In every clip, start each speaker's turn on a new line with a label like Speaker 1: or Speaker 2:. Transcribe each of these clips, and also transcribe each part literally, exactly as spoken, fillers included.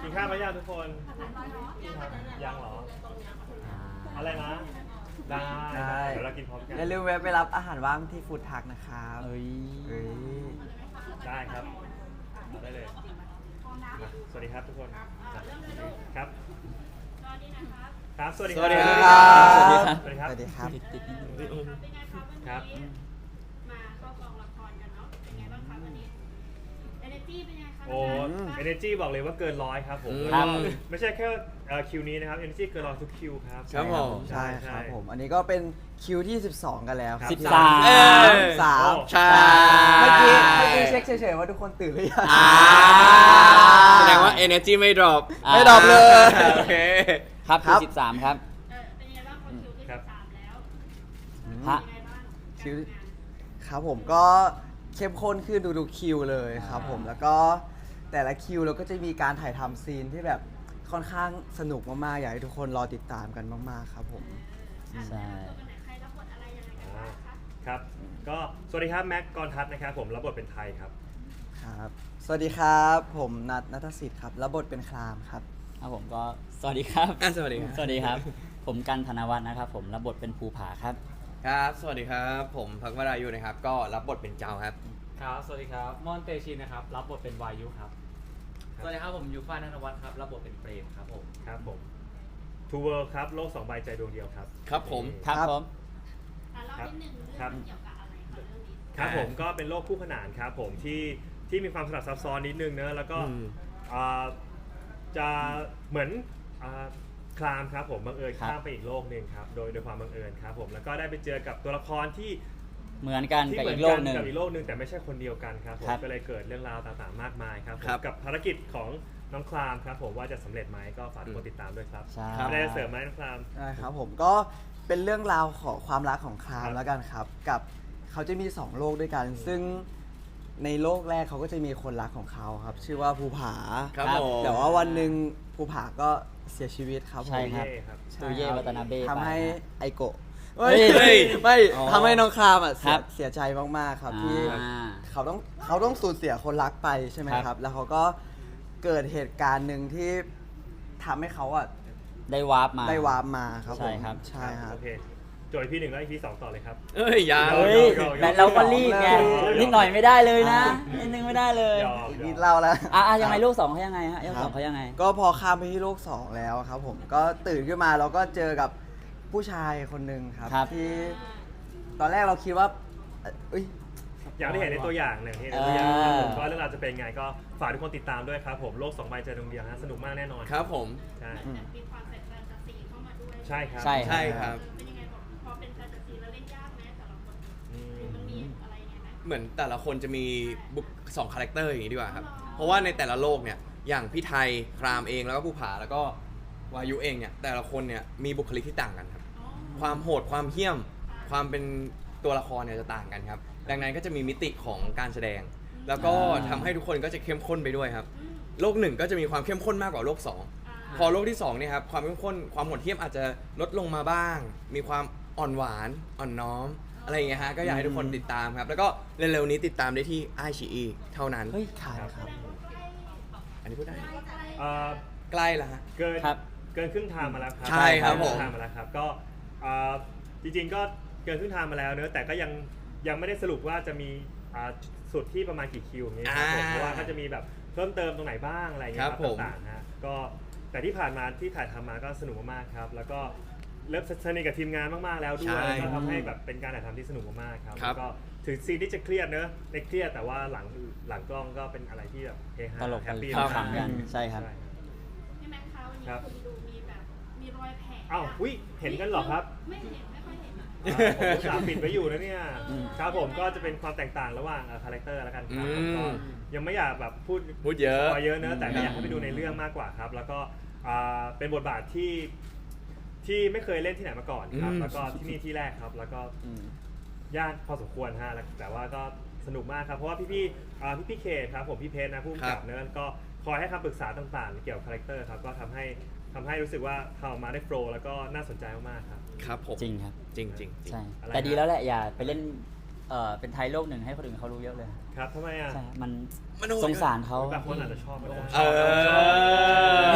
Speaker 1: กินข้าวไหมยังทุกคนยังเหรออะไรนะได้เดี๋ยวเรากินพร้อมกัน
Speaker 2: อย่าลืมแวะไปรับอาหารว่างที่ฟู้ดทักนะครับ
Speaker 3: เอ้ย
Speaker 2: เอ้ย
Speaker 1: ได้ครับได้เลยมาสวัสดีครับทุกคนครับครับสวัสดี
Speaker 2: สวัสดี
Speaker 1: ค
Speaker 2: ค
Speaker 1: รั
Speaker 2: รับ
Speaker 1: สวัสดีครับ
Speaker 2: สวัสดีครับ
Speaker 3: ติดติดนิดนึง
Speaker 4: เป็นไงครับวัน
Speaker 1: ครับ
Speaker 4: นี้มาเข้ากองละครกันเนาะเป็นไงบ้างครับวันนี้ energy เป็นไงครับ
Speaker 1: โอ้ energy บอกเลยว่าเกินร้อยครับผม
Speaker 3: ครับ
Speaker 1: ไม่ใช่แค่เอ่อคิวนี้นะครับ energy เกินร้อยทุกคิวครับ
Speaker 5: ครับผม
Speaker 2: ใช่ครับผม อันนี้ก็เป็นคิวที่สิบสองกันแล้วครับ
Speaker 3: สิบสาม
Speaker 5: เออ
Speaker 2: สาม
Speaker 5: ใช่
Speaker 2: เมื่อกี้เมื่อกี้เช็คเฉยๆว่าทุกคนตื่นหรือยัง
Speaker 5: อ่าแสดงว่า energy ไม่ drop
Speaker 2: ไม่ดรอปเลย
Speaker 5: โอเค
Speaker 3: ครับ
Speaker 2: ครั
Speaker 3: คือบ สิบสามครับ
Speaker 4: เออเป็นไงบ้างพอคิวที่สิบสามแล้ว
Speaker 3: ฮะ
Speaker 4: เป็นไงบ้าง
Speaker 2: คิว ครับผมก็เข้มข้นขึ้นดูๆคิวเลยครับผมแล้วก็แต่ละคิวเราก็จะมีการถ่ายทำซีนที่แบบค่อนข้างสนุกมากๆอยากให้ทุกคนรอติดตามกันมากๆครับผม
Speaker 3: ใช่
Speaker 4: ตัวกันไหนใครรับบทอะไรยังไงกันบ้างคะ
Speaker 1: ครับก็สวัสดีครับแม็กกรทัศน์นะครับผมรับบทเป็นไทยครับ
Speaker 2: ครับสวัสดีครับผมนัทนัทสิทธิ์ครับรับบทเป็นครามครับ
Speaker 3: ครับผมก็สวัสดีครับ
Speaker 5: อ่ะสวัสดีครับ
Speaker 3: สวัสดีครับ ผมกันธนวัฒน์นะครับผมรับบทเป็นภูผาครับ
Speaker 5: ครับ สวัสดีครับ ผมพักวรายุนะครับ ก็รับบทเป็นเจ้าครับ
Speaker 6: ครับ สวัสดีครับ มอนเตชินนะครับ รับบทเป็นวายุครับ สวัสดีครับ ผมยูฟ่านันทวัฒน์ครับ รับบทเป็นเปรมครับผม
Speaker 1: ครับผม Two World ครับโลกสองใบใจดวงเดียวครับ
Speaker 5: ครับผม
Speaker 3: ครับ
Speaker 2: ครับ
Speaker 3: ผม
Speaker 4: อ่ะเล่านิดนึงเรื่อง
Speaker 1: ครับ
Speaker 4: มันเกี่ยวกับอะไรคะเรื่องนี้
Speaker 1: ครับผมก็เป็นโลกคู่ขนานครับผมที่ที่มีความสลับซับซ้อนนิดนึงเนอะแล้วก็
Speaker 5: อืม
Speaker 1: อ่าจะเหมือนอ่าคลามครับผมบังเอิญ
Speaker 3: ครับ
Speaker 1: ข้ามไปอีกโลกหนึ่งครับโดยโดยความบังเอิญครับผมแล้วก็ได้ไปเจอกับตัวละครที่
Speaker 3: เหมือนกัน
Speaker 1: ที่
Speaker 3: กับ
Speaker 1: เหมื
Speaker 3: อี
Speaker 1: น
Speaker 3: กโลกหนึ่ง
Speaker 1: กับอีกโลกหนึ่งแต่ไม่ใช่คนเดียวกันครับผม
Speaker 3: ครับ
Speaker 1: ก็เลยเกิดเรื่องราวต่างๆมากมายครับผม
Speaker 5: ครับ
Speaker 1: กับภารกิจของน้องคลามครับผมว่าจะสำเร็จไหมก็ฝากทุกคนติดตามด้วยครับ
Speaker 3: ใช่
Speaker 1: ไม่ได้จะเสริมไหมน้องคลาม
Speaker 2: ใช่ครับผมก็เป็นเรื่องราวของความรักของคราม
Speaker 1: ครับ
Speaker 2: แล้วกันครับ กับเขาจะมีสองโลกด้วยกัน ซึ่งในโลกแรกเขาก็จะมีคนรักของเขาครับ ชื่อว่าภูผา
Speaker 5: ครับผม
Speaker 2: แต่ว่าวันหนึ่งภูผาก็เสียชีวิตครับผม
Speaker 3: ใช่ครับ
Speaker 1: เย่ครับ
Speaker 2: ใช่
Speaker 3: ตูเย่
Speaker 2: ครับ
Speaker 3: วัตนาเบ้
Speaker 2: ทำให้
Speaker 3: ไปนะ
Speaker 2: ไอโกะ
Speaker 3: เฮ้
Speaker 2: เฮ้
Speaker 3: ย
Speaker 2: ยไม่
Speaker 3: อ๋อ
Speaker 2: ทำให้น้องครามอ่ะเสี
Speaker 3: ครั
Speaker 2: ย
Speaker 3: บ
Speaker 2: เสียใจมากๆครับที่
Speaker 3: อ่า
Speaker 2: เขาต้องเขาต้องสูญเสียคนรักไปใช่ไหม
Speaker 3: ครับ
Speaker 2: ครับ แล้วเขาก็เกิดเหตุการณ์หนึ่งที่ทำให้เขาอ่ะ
Speaker 3: ได้วาร์ปมา
Speaker 2: ได้วาร์ปมาครับผม
Speaker 3: ใช่ครับ
Speaker 2: ใช่ครับ
Speaker 1: โอเคโจทย์พี่หนึ่งแล้วอีพีสองต่อเลยครับ
Speaker 5: เอ้ยยาว
Speaker 3: เฮ้ย
Speaker 1: ยอมยอม
Speaker 3: แต่เราก็รีบไง
Speaker 2: ยอมยอม
Speaker 3: นิดหน่อยไม่ได้เลยนะนิดนึงไม่ได้เลย
Speaker 1: ยอม
Speaker 2: อีก
Speaker 1: ย
Speaker 2: นิ
Speaker 1: อ
Speaker 2: ด
Speaker 1: ม
Speaker 2: เล่าแล้ว
Speaker 3: อ่ะอ่ะยังไงลูกสองเขายังไงฮะลูกสองเขายังไง
Speaker 2: ก็พอข้ามไปที่โลกสองแล้วครับผมก็ตื่นขึ้นมาเราก็เจอกับผู้ชายคนหนึ่งครับ
Speaker 3: ครับ
Speaker 2: ที่ตอนแรกเราคิดว่าเอ้ย
Speaker 1: อย่างที่เห็นในตัวอย่างหนึ่งที่เห็นในตัวอย่างครับผมก็เรื่องราวจะเป็นไงก็ฝากทุกคนติดตามด้วยครับผมโลกสองใบใจดวงเดียวนะสนุกมากแน่นอน
Speaker 5: ครับผม
Speaker 1: ใช่
Speaker 2: อืม
Speaker 4: มีความใส่แฟนตาซีเข้ามาด้วย
Speaker 1: ใช่ครับ
Speaker 3: ใช่
Speaker 5: ใช่ครับ
Speaker 4: เป็นยังไงบอกพอเป็นแฟนตาซีแล้วเล่นยากไหมแต่ละคน
Speaker 1: อืม
Speaker 4: มันมีอะไรยังไงไหม
Speaker 5: เหมือนแต่ละคนจะมีบุคสองคาแรคเตอร์อย่างนี้ดีกว่าครับ เพราะว่าในแต่ละโลกเนี่ย อย่างพี่ไทย ครามเอง แล้วก็ภูผา แล้วก็วายุเองเนี่ย แต่ละคนเนี่ยมีบุคลิกที่ต่างกันครับ ความโหด ความเหี้ยม ความเป็นตัวละครเนี่ยจะต่างกันครับ ดังนั้นก็จะมีมิติของการแสดง แล้วก็ทำให้ทุกคนก็จะเข้มข้นไปด้วยครับ โลกหนึ่งก็จะมีความเข้มข้นมากกว่าโลกสอง พอโลกที่สองเนี่ยครับความเข้มข้นความโหดเหี้ยมอาจจะลดลงมาบ้าง มีความอ่อนหวานอ่อนน้อมอะไรอย่างเงี้ยฮะก็อยากให้ทุกคนติดตามครับ แล้วก็เร็วๆนี้ติดตามได้ที่ไอชีอีเท่านั้น
Speaker 3: เฮ้ย
Speaker 2: ใช่ครับ
Speaker 5: อันนี้พูดได้
Speaker 1: เอ่อ
Speaker 5: ใกล้แล้วฮะ
Speaker 1: เกิน
Speaker 3: ครับ
Speaker 1: เกินครึ่งทางมาแล้วครับ
Speaker 5: ใช่ครับผม
Speaker 1: เกินงทางมาแล้วครับก็เอ่อจริงๆก็เกินครึ่งทางมาแล้วเนอะแต่ก็ยังยังไม่ได้สรุปว่าจะมีอ่าสุดที่ประมาณกี่คิวอย่างเงี้ยครับผมเพราะว่าก็จะมีแบบเพิ่มเติมตรงไหนบ้างอะไรอย่างเงี้ยครับต่างๆฮะก็แต่ที่ผ่านมาที่ถ่ายทำมาก็สนุกมากๆครับแล้วก็เริ่มสนิทกับทีมงานมากๆแล้วด้วยแล้วก็ทำให้แบบเป็นการถ่ายทำที่สนุกมากๆครับแล้วก็ถึงซีนที่จะเครียดเนอะในเครียดแต่ว่าหลังหลังกล้องก็เป็นอะไรที่แบบเฮฮา
Speaker 3: ตลก
Speaker 1: แฮปปี้
Speaker 3: ครับ
Speaker 1: มาก
Speaker 3: กันใช่ครับ
Speaker 4: พี่แม็กซ์คะวันนี้
Speaker 1: ครับ
Speaker 4: คุณดูมีแบบมีรอยแผล
Speaker 1: อ้าวอุ๊ยเห็นกันเหรอครับ
Speaker 4: ไม่เห็นไม่ค่อยเห็นอะ
Speaker 1: อ่าผมอุตส่าห์ปิดไว้อยู่นะเนี่ย
Speaker 3: อืม
Speaker 1: ครับผมก็จะเป็นความแตกต่างระหว่างคาแรคเตอร์แล้วกันครับผมก็
Speaker 5: อืม
Speaker 1: ยังไม่อยากแบบพูด
Speaker 5: พูดเยอะ
Speaker 1: พอเยอะเนอะแต่ก็อยากให้ไปดูในเรื่องมากกว่าครับ แล้วก็อ่าเป็นบทบาทที่ที่ไม่เคยเล่นที่ไหนมาก่อนครับ
Speaker 5: อืม
Speaker 1: แล้วก็ที่นี่ที่แรกครับ แล้วก็
Speaker 3: อืม
Speaker 1: ยากพอสมควรฮะแล้วแต่ว่าก็สนุกมากครับเพราะว่าพี่พี่ๆอ่าพี่พี่ๆเคครับผมพี่เพชรนะผู้กำกับเนอะก็คอยให้คำปรึกษาต่างๆ เกี่ยวกับคาแรคเตอร์ครับก็ทำให้ทำให้รู้สึกว่าทำออกมาได้โฟล์แล้วก็น่าสนใจมากๆครับ
Speaker 5: ครับผม
Speaker 3: จริงครับ
Speaker 5: จริงจริงจริง
Speaker 3: ใช่
Speaker 1: อะไร
Speaker 3: แต่ดี
Speaker 1: นะ
Speaker 3: แล้วแหละอย่าไปเล่นเอ่อเป็นไทยโลกหนึ่งให้คนอื่นเขารู้เยอะเลย
Speaker 1: ครับทำไมอ่ะ
Speaker 3: ใช่มัน
Speaker 5: มันโหด
Speaker 3: สงสารเขา
Speaker 1: บางคนอาจจะชอบก็ได้
Speaker 5: เออ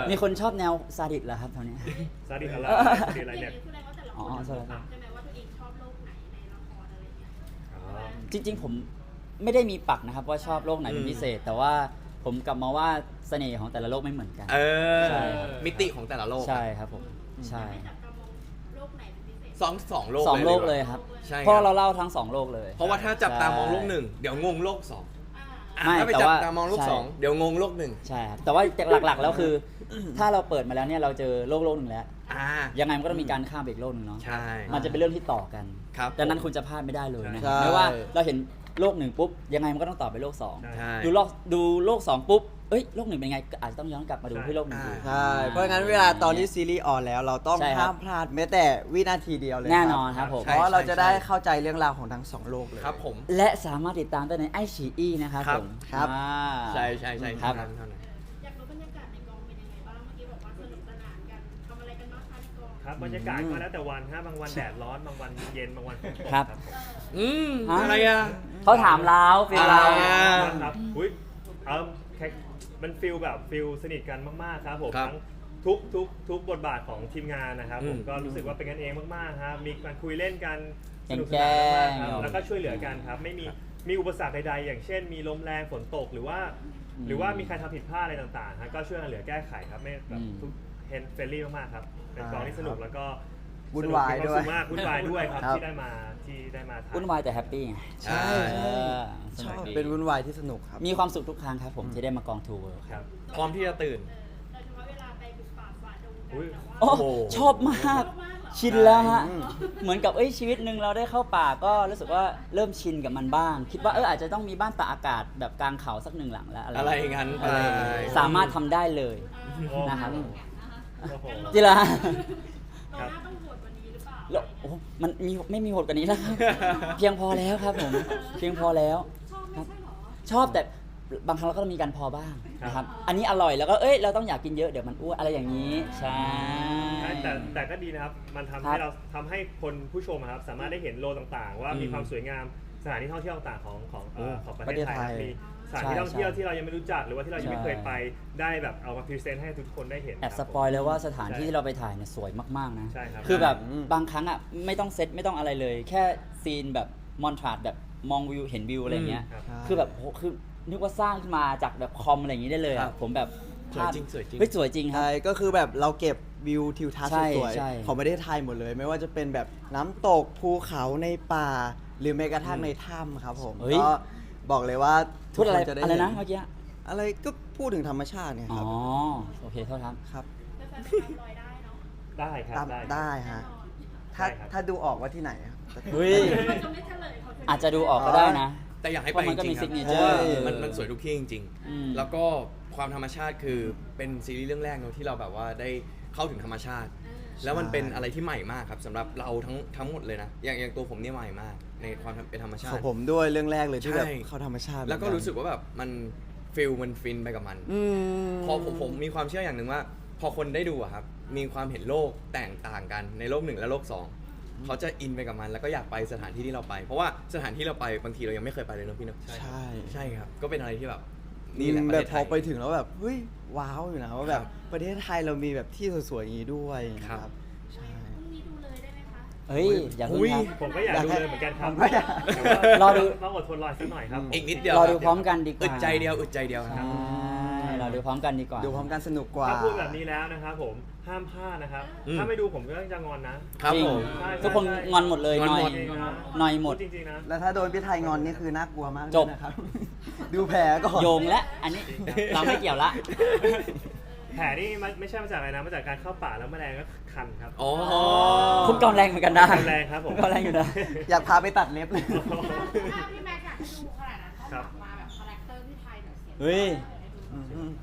Speaker 3: มีคนชอบแนวซาดิสเหรอครับแถวเนี้ย
Speaker 1: ซาดิสอะไรซาดิสอะไร
Speaker 4: อย่าง
Speaker 1: เนี่ย
Speaker 4: นี้แสดงว่าแต่ละค
Speaker 3: อ๋
Speaker 4: น
Speaker 3: อ
Speaker 4: จะ
Speaker 3: ใช่
Speaker 4: รู้
Speaker 3: ใช่
Speaker 4: ปักใช่ไหมว่าตัวเองชอบโลกไหนในละครอะไรอย่างเงี้ย
Speaker 1: อ๋อ
Speaker 3: จริงๆผมไม่ได้มีปักนะครับว่าชอบโลกไหนเป็นพิเศษ แต่ว่าผมกลับมาว่าเสน่ห์ของแต่ละโลกไม่เหมือนกัน
Speaker 5: เออ
Speaker 3: ใช่ครับ
Speaker 5: มิติของแต่ละโลก
Speaker 3: ใช่ครับผมใช่
Speaker 4: ไม่จับตามองโลกไหนเป็นพิเศษ
Speaker 5: สองสองโลก
Speaker 3: สองโลก
Speaker 5: ดี
Speaker 3: เล
Speaker 5: ว่า
Speaker 3: ยครับ
Speaker 5: ใช่
Speaker 3: เพราะ
Speaker 5: คบ
Speaker 3: เราเล่าทั้งสองโลกเลย
Speaker 5: เพราะว่าถ้าจับตามอง
Speaker 3: ใช่
Speaker 5: โลกหนึ่งเดี๋ยวงงโลกสอง
Speaker 4: อ่า
Speaker 5: อ่ะ
Speaker 3: ไม่
Speaker 5: ถ้าไป
Speaker 3: แต่
Speaker 5: จับ
Speaker 3: ว่า
Speaker 5: ตามองโลก
Speaker 3: ใช่
Speaker 5: สองเดี๋ยวงงโลกหนึ่ง
Speaker 3: ใช่ครับแต่ว่าหลักๆแล้วคือ ถ้าเราเปิดมาแล้วเนี่ยเราเจอโลกโลกหนึ่งแล้ว
Speaker 5: อ่า
Speaker 3: ยังไงมันก็ต้องมีการข้ามไปอีกโลกหนึ่งเนาะ
Speaker 5: ใช่
Speaker 3: มันจะเป็นเรื่องที่ต่อกัน
Speaker 5: ครับ
Speaker 3: ดังนั้นคุณจะพลาดไม่ได้เลยนะค
Speaker 2: ใช่
Speaker 3: รับไม่ว่าเราเห็นโลกหนึ่งปุ๊บยังไงมันก็ต้องต่อไปโลกสอง
Speaker 1: ใช่
Speaker 5: ใช่
Speaker 3: ดูโลกดูโลกสองปุ๊บเอ้ยโลกหนึ่งเป็นไงก็อาจจะต้องย้อนกลับมาดูที่โลกหนึ่ง
Speaker 5: อ่า
Speaker 3: ดู
Speaker 2: ใช่ เพราะงั้นเวลาตอนที่ซีรีส์ออนแล้ว เราต้อง
Speaker 3: ใช่ครับ
Speaker 2: ห้ามพลาดแม้แต่วินาทีเดียวเลย
Speaker 3: แน่นอนครับผม
Speaker 2: เพราะว่าเราจะได้เข้าใจเรื่องราวของทั้งสองโลกเลย
Speaker 5: ครับผม
Speaker 3: และสามารถติดตามได้ในไอชีอีนะครับ
Speaker 5: ครับ
Speaker 3: ผม
Speaker 2: ครับ
Speaker 3: อ่า
Speaker 5: ใช่ใช่ใช่
Speaker 3: ครับ
Speaker 5: เท่านั้นเท่านั้น
Speaker 4: อยากรู้บรรยากาศในกองเป็นยังไงบ้างเมื่อกี้บอกว่าสนุกสนานกันทำอะไรกันบ้างคะในกอง
Speaker 1: ครับบรรยากาศก็แล้วแต่วันฮะบางวันแดดร้อนบางวันเย็นบางวันฝนตก
Speaker 3: ครับ
Speaker 1: ผม
Speaker 5: อืม
Speaker 3: ฮะ
Speaker 5: อะไรอ่ะ
Speaker 3: เขาถามเราฟิลเรา
Speaker 5: อ่า
Speaker 1: ครับอุ้ยเออแค่มันฟิลแบบฟิลสนิทกันมากๆครับผม
Speaker 5: ครับ
Speaker 1: ทั้งทุกทุกทุกบทบาทของทีมงานนะครับ
Speaker 5: อืม
Speaker 1: ผมก็รู้สึกว่าเป็นกันเองมากๆครับมีการคุยเล่นกันสนุกส
Speaker 3: แกล้
Speaker 1: นาน
Speaker 3: ง
Speaker 1: มากๆครับแล้วก็ช่วยเหลือกันครับไม่มีมีอุปสรรคใดๆอย่างเช่น มีลมแรงฝนตกหรือว่า
Speaker 3: อืม
Speaker 1: หรือว่ามีใครทำผิดพลาดอะไรต่างๆฮะก็ช่วยกันเหลือแก้ไขครับไม่แบบ
Speaker 3: อืม
Speaker 1: ทุกเฮนเฟรนลี่มากๆครับเป็นกองที่สนุกแล้วก็
Speaker 2: วุ่นวายด้วย
Speaker 1: สนุกมีคมสุขมากวุ่นวายด้วยครับ
Speaker 2: ครับ
Speaker 1: ที่ได้มาที่ได้มาถ่าย
Speaker 3: วุ่นวายแต่แฮปปี้ไง
Speaker 2: ใช่
Speaker 3: เอ
Speaker 2: ใช่
Speaker 3: อส
Speaker 2: ช
Speaker 3: นุ
Speaker 2: อก บ
Speaker 3: ดี
Speaker 2: เป็นวุ่นวายที่สนุกครับ
Speaker 3: มีความสุขทุกครั้งครับผมที่ได้มากองทัวร์
Speaker 1: ครับ
Speaker 5: พร้อมที่จะตื่น
Speaker 4: เออโดยเฉพาะเวลาไปบุกป่าฝ่าดงกัน
Speaker 1: อุ๊ย
Speaker 4: แต่ว่า
Speaker 3: โอ้
Speaker 5: โอ้
Speaker 3: ชอบมาก
Speaker 4: ชอบมากเหรอ
Speaker 3: ชินแล้วฮะ
Speaker 2: อืม
Speaker 3: เหมือนกับเอ้ยชีวิตหนึ่งเราได้เข้าป่าก็รู้สึกว่าเริ่มชินกับมันบ้าง คิดว่าเอออาจจะต้องมีบ้านตากอากาศแบบกลางเขาสักหนึ่งหลังแล้วอะไร
Speaker 5: อะไรอย่างนั้นไป
Speaker 3: สามารถทำได้เลย
Speaker 1: โอ้
Speaker 3: นะครับ
Speaker 1: โอ้โห
Speaker 3: จิระ
Speaker 4: เราหน้าต้องโหดกว่านี้หรือเปล่า
Speaker 3: แล้วโอ้มันมีไม่มีโหดกว่านี้แล้วครับ เพียงพอแล้วครับผม เพียงพอแล้ว
Speaker 4: ชอบไม่ใช่เหรอ
Speaker 3: ชอบแต่บางครั้งเราก็ต้องมีการพอบ้างนะครับ อันนี้อร่อยแล้วก็เอ้ยเราต้องอยากกินเยอะเดี๋ยวมันอ้วนอะไรอย่างนี้ ใช่
Speaker 1: ใช่แต่แต่ก็ดีนะครับ มันทำ
Speaker 3: ครั
Speaker 1: ให้
Speaker 3: บ
Speaker 1: เราทำให้คนผู้ชมอะครับสามารถได้เห็นโลต่างๆ ว่ามีความสวยงามสถานที่ท่องเที่ยวต่างๆของของเอ่อของประเทศไทยครับมีสถานที่ท่องเที่ยวที่เรายังไม่รู้จักหรือว่าที่เรายังไม่เคยไปได้แบบเอามาพรีเซนต์ให้ทุกคนได้เห็น
Speaker 3: แอบ
Speaker 1: ค
Speaker 3: ส
Speaker 1: รับ
Speaker 3: ปอยเลยว่าสถาน
Speaker 1: ใช่
Speaker 3: ที่ที่เราไปถ่ายเนี่ยสวยมากๆนะ
Speaker 1: ใช่ครับ
Speaker 3: คือแบบ
Speaker 2: อืม
Speaker 3: บางครั้งอ่ะไม่ต้องเซตไม่ต้องอะไรเลย แค่ซีนแบบมอนทราดแบบมองวิวเห็นวิวอะไรเงี้ย
Speaker 1: ครับ
Speaker 3: คือแบบโหคือนึกว่าสร้างขึ้นมาจากแบบคอมอะไรอย่างนี้ได้เลย
Speaker 5: ครั
Speaker 3: อะ
Speaker 5: บ
Speaker 3: ผมแบบ
Speaker 5: สวยจริงสวยจริง
Speaker 3: เฮ้ยสวยจริงครับ
Speaker 2: ใช่ก็คือแบบเราเก็บวิวทิวทัศน์
Speaker 3: ใช่
Speaker 2: สวย
Speaker 3: ใช่
Speaker 2: ๆของประเทศไทยหมดเลย ไม่ว่าจะเป็นแบบน้ำตกภูเขาในป่า หรือแม้กระทั่งในถ้ำครับผม
Speaker 3: เฮ้ย
Speaker 2: ก็บอกเลยว่า
Speaker 3: พูดอะไร
Speaker 2: ทุกคนจะได้
Speaker 3: อะไรนะ
Speaker 2: เห็
Speaker 3: เมื่อกี้
Speaker 2: อะไรก็พูดถึงธรรมชาติไง
Speaker 3: อ๋
Speaker 2: ค
Speaker 3: อ
Speaker 2: รับ
Speaker 3: โอเคโทษครับ
Speaker 2: ครับ
Speaker 4: แฟนๆตามรอยได้เนาะ
Speaker 1: ได้ครับ
Speaker 2: ตาม
Speaker 1: ได้
Speaker 2: ได้ฮะ ถ้า
Speaker 1: ได้ครับ
Speaker 2: ถ้าดูออกว่าที่ไหนครับ
Speaker 3: เฮ้ย
Speaker 4: เราจะไม่เฉลยเขา
Speaker 3: อาจจะดูออกก็ได้นะ
Speaker 5: แต่อยากให้
Speaker 3: เพ
Speaker 5: ไป
Speaker 3: ราะ
Speaker 5: จ
Speaker 3: มันก็
Speaker 5: ริ
Speaker 3: มี
Speaker 5: งๆครับ
Speaker 3: signature
Speaker 2: ใช่
Speaker 5: มันมันสวยทุกที่จริง
Speaker 3: อืม
Speaker 5: ๆ แล้วก็ความธรรมชาติคือเป็นซีรีส์เรื่องแรกเนอะที่เราแบบว่าได้เข้าถึงธรรมชาติ แล้วมันเป็นอะไรที่ใหม่มากครับสำหรับเราทั้งทั้งหมดเลยนะ อย่างอย่างตัวผมเนี่ยใหม่มาก ในความเป็นธรรมชา
Speaker 2: ของ
Speaker 5: ติ
Speaker 2: ผมด้วยเรื่องแรกเลยที่แบบ
Speaker 5: ใช่
Speaker 2: เข้าธรรมชาติ
Speaker 5: แล้วก็รู้สึกว่าแบบมันฟิลมันฟินไปกับมัน
Speaker 2: อืม
Speaker 5: พอผมผมมีความเชื่ออย่างหนึ่งว่า พอคนได้ดูอะครับ มีความเห็นโลกแตกต่างกันในโลกหนึ่งและโลกสองเขาจะอินไปกับมัน แล้วก็อยากไปสถานที่ที่เราไป เพราะว่าสถานที่เราไปบางทีเรายังไม่เคยไปเลยเนอะพี่เนอะ
Speaker 2: ใช่
Speaker 5: ใช่ครับ ก็เป็นอะไรที่แบบนี่แหละ
Speaker 2: อืม
Speaker 5: ประ
Speaker 2: แบ
Speaker 5: เท
Speaker 2: บ
Speaker 5: ศ
Speaker 2: พ
Speaker 5: ไท
Speaker 2: อย ไปถึงแล้วแบบเฮ้ยว้าวอยู่นะว่าแบบ
Speaker 5: ครับ
Speaker 2: ประเทศไทยเรามีแบบที่สวยๆอย่างนี้ด้วย
Speaker 5: ครับ
Speaker 2: ครับใช่
Speaker 4: พรุ่งนี้ดูเลยได้ไหมคะ
Speaker 3: เฮ้ย อย่าเพิ่ง
Speaker 5: อุ๊ย
Speaker 3: ครับ
Speaker 1: ผมก็อยากดูเลยเหมือนกันครับ
Speaker 2: ผมก็อยาก
Speaker 1: แต่ว่าร
Speaker 3: อดู
Speaker 1: ต้องอดทนรอสักหน่อยครับ
Speaker 5: อีกนิดเดียว
Speaker 3: รอ
Speaker 5: คบ
Speaker 3: ดูพร้อมกันดีกว่า
Speaker 5: อึดใจเดียวอึดใจเดียวครับ
Speaker 3: ใช่เราดูพร้อมกันดีกว่า
Speaker 2: ดูพร้อมกันสนุกกว่า
Speaker 1: ถ้าพูดแบบนี้แล้วนะครับผมห้ามพลาดนะครับ
Speaker 5: อืม
Speaker 1: ถ้าไม่ดูผมก็จะงอนนะ
Speaker 5: ครับ
Speaker 3: จริง
Speaker 5: ผม
Speaker 1: ใช่
Speaker 3: ทุกคน
Speaker 1: ใช่
Speaker 3: งอนหมดเลย
Speaker 5: งอน
Speaker 3: หน่อย
Speaker 5: หมด
Speaker 1: จริงๆนะ
Speaker 3: หน่อยหมด
Speaker 1: พูจริงๆนะ
Speaker 2: แล้วถ้าโดนพี่ไทยงอนนี่คือน่ากลัวมาก
Speaker 3: จบ
Speaker 2: เลยนะครับ ดูแผลก่อน
Speaker 3: โยงและอันนี้เราไม่เกี่ยวละ
Speaker 1: แผลนี่มันไม่ใช่มาจากอะไรนะมาจากการเข้าป่าแล้วแมลงก็คันครับ
Speaker 5: อ๋อ
Speaker 3: คุณกำแรงเหมือนกันนะ
Speaker 1: กำแรงครับผม
Speaker 3: กำแรงอยู่นะ
Speaker 2: อยากพาไปตัดเล็บเลย
Speaker 4: ถ้าพี่แม็กอยากให้ดูขนาดนั้นเขา
Speaker 1: ครับ
Speaker 4: ฝากมาแบบคาแรคเตอร์พี่ไทยหน่อยเสียง
Speaker 3: เฮ้ย
Speaker 2: อืม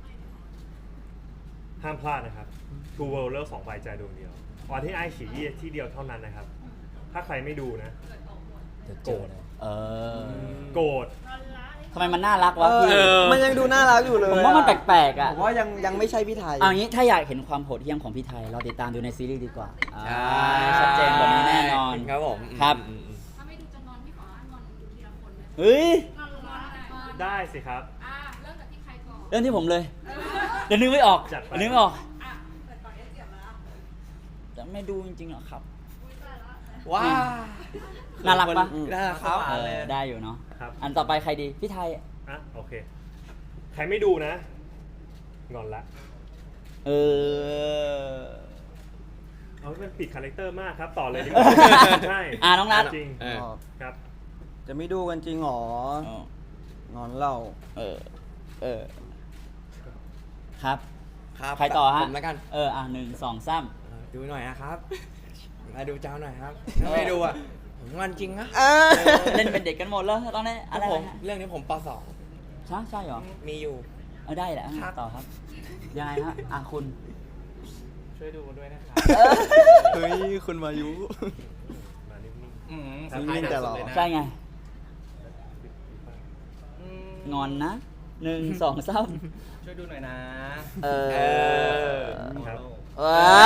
Speaker 1: ห้ามพลาดนะครับ Two World เลิกสองใบใจดวงเดียวออนที่ไอฉี่ที่เดียวเท่านั้นนะครับ ถ้าใครไม่ดูนะ
Speaker 3: เดี๋ยวเจอเลยเออ
Speaker 1: โกรธ
Speaker 4: นอนละเลย
Speaker 3: ทำไมมันน่ารักวะพี่
Speaker 5: เออ
Speaker 2: มันยังดูน่ารักอยู่เลย
Speaker 3: ผมว่ามันแปลกๆอ่ะ
Speaker 2: ผมว่ายังยังไม่ใช่พี่ไทย
Speaker 3: เอางี้ถ้าอยากเห็นความโหดเหี้ยมของพี่ไทย เราติดตามดูในซีรีส์ดีกว่า
Speaker 5: ใช่
Speaker 3: อ่าชัดเจนกว่านี้แน่นอน
Speaker 5: ครับผม
Speaker 3: ครับ
Speaker 5: อืมอืม
Speaker 4: ถ้าไม่ดูจะนอนพี่ขอให้นอนดูทีละคนเลย
Speaker 3: เฮ้ย
Speaker 4: นอนนอนนอน
Speaker 1: ได้สิครับ
Speaker 4: อ่าเริ่มจากที่ใครก่อน
Speaker 3: เรื่องที่ผมเลย
Speaker 4: เออ
Speaker 3: เดี๋ยวนึกไม่ออก
Speaker 1: จัดไป
Speaker 3: เดี๋ยวนึกไม่ออก
Speaker 4: อ่ะเปิดก่อนเอสเสียบแล้ว
Speaker 3: จะไม่ดูจริงๆหรอครับ
Speaker 4: อุ้ยตายละ
Speaker 5: ว้า
Speaker 3: น่ารักปะ
Speaker 5: น่ารักครับ
Speaker 3: เออได้อยู่เนาะ
Speaker 1: ครับ
Speaker 3: อันต่อไปใครดีพี่ไทย
Speaker 1: อ่ะโอเค ใครไม่ดูนะ งอนละ
Speaker 3: เออ
Speaker 1: เอาให้มันปิดคาแรคเตอร์มากครับ ต่อเลยดีกว่า ใช่
Speaker 3: อ่ะน้องนัท
Speaker 1: จริง
Speaker 5: เออ
Speaker 1: ครับ
Speaker 2: จะไม่ดูกันจริงเหรอ งอนเรา
Speaker 3: เออ เออ ครับ
Speaker 5: ครับ
Speaker 3: ใครต่อฮะ
Speaker 5: ผมแล้วกัน
Speaker 3: เออ อ่ะหนึ่งสองสาม
Speaker 5: เออดูหน่อยนะครับมาดูเจ้าหน่อยครับถ้าไม่ดูอ่ะผมงอนจริงนะ
Speaker 3: เล่นเป็นเด็กกันหมดแล้วตอนนี้อะไร
Speaker 5: ผม
Speaker 3: นะฮะ
Speaker 5: เรื่องนี้ผมปสอง
Speaker 3: ใช่ใช่เหรอ
Speaker 5: มีอยู่
Speaker 3: เอาได้แหละ
Speaker 5: ครับ
Speaker 3: ต่อครับ ยังไงฮะ อ่ะคุณ
Speaker 6: ช่วยดูด้วยนะครับ
Speaker 2: เฮ้ย คุณมายุ
Speaker 1: มานิ่ง
Speaker 6: อืม
Speaker 2: ครับนิ่งแต่หรอ
Speaker 3: ใช่ไง
Speaker 6: อืม
Speaker 3: งอนนะหนึ่งสองสาม
Speaker 6: ช่วยดูหน่อยนะ
Speaker 3: เออ
Speaker 1: ๆครับ
Speaker 3: ว้า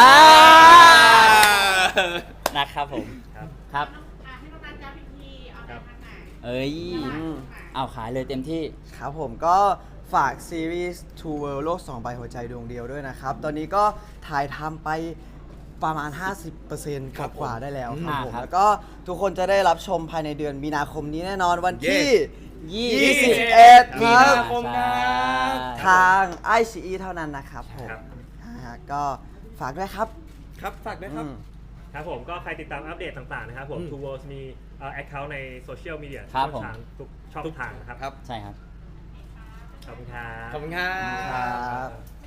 Speaker 3: นะครับผม
Speaker 1: ครับ
Speaker 3: ครับ
Speaker 4: อ่ะให้น้องนัทย้ำอีกทีเอาไปทางไหน
Speaker 3: เอ้ย
Speaker 2: อืม
Speaker 3: เอาขายเลยเต็มที่
Speaker 2: ครับผมก็ฝากซีรีส์ Two World โลกสองใบหัวใจดวงเดียวด้วยนะครับ ตอนนี้ก็ถ่ายทำไปประมาณ ห้าสิบเปอร์เซ็นต์
Speaker 5: ครับ
Speaker 2: กว่าๆได้แล้วครับ
Speaker 3: อ่า
Speaker 2: ผม
Speaker 3: ครับ
Speaker 2: แล้วก็ทุกคนจะได้รับชมภายในเดือนมีนาคมนี้แน่นอนวันที่
Speaker 3: ยี่
Speaker 2: ยี่
Speaker 3: สิ
Speaker 2: สิ
Speaker 3: บบ
Speaker 2: เอ็ด
Speaker 5: มี
Speaker 2: ครั
Speaker 5: นา
Speaker 2: บ
Speaker 5: คมครับ
Speaker 2: ทางไอซีเท่านั้นนะครับผม
Speaker 1: ครับ
Speaker 2: อ่าก็ฝากด้วยครับ
Speaker 5: ครับฝากด้วยครับ
Speaker 2: อืม
Speaker 1: ครับผมก็ใครติดตามอัปเดตต่างๆนะครับผม
Speaker 5: อืม
Speaker 1: Two Worlds มีเอ่อ account ในโซเชียลมีเดีย
Speaker 3: ครับ
Speaker 1: ช่องทางทุกช่องทางนะครับ
Speaker 5: ครับ
Speaker 3: ใช่ครับ
Speaker 1: ขอบคุณครับ
Speaker 5: ขอบคุณครั
Speaker 2: ครับ บ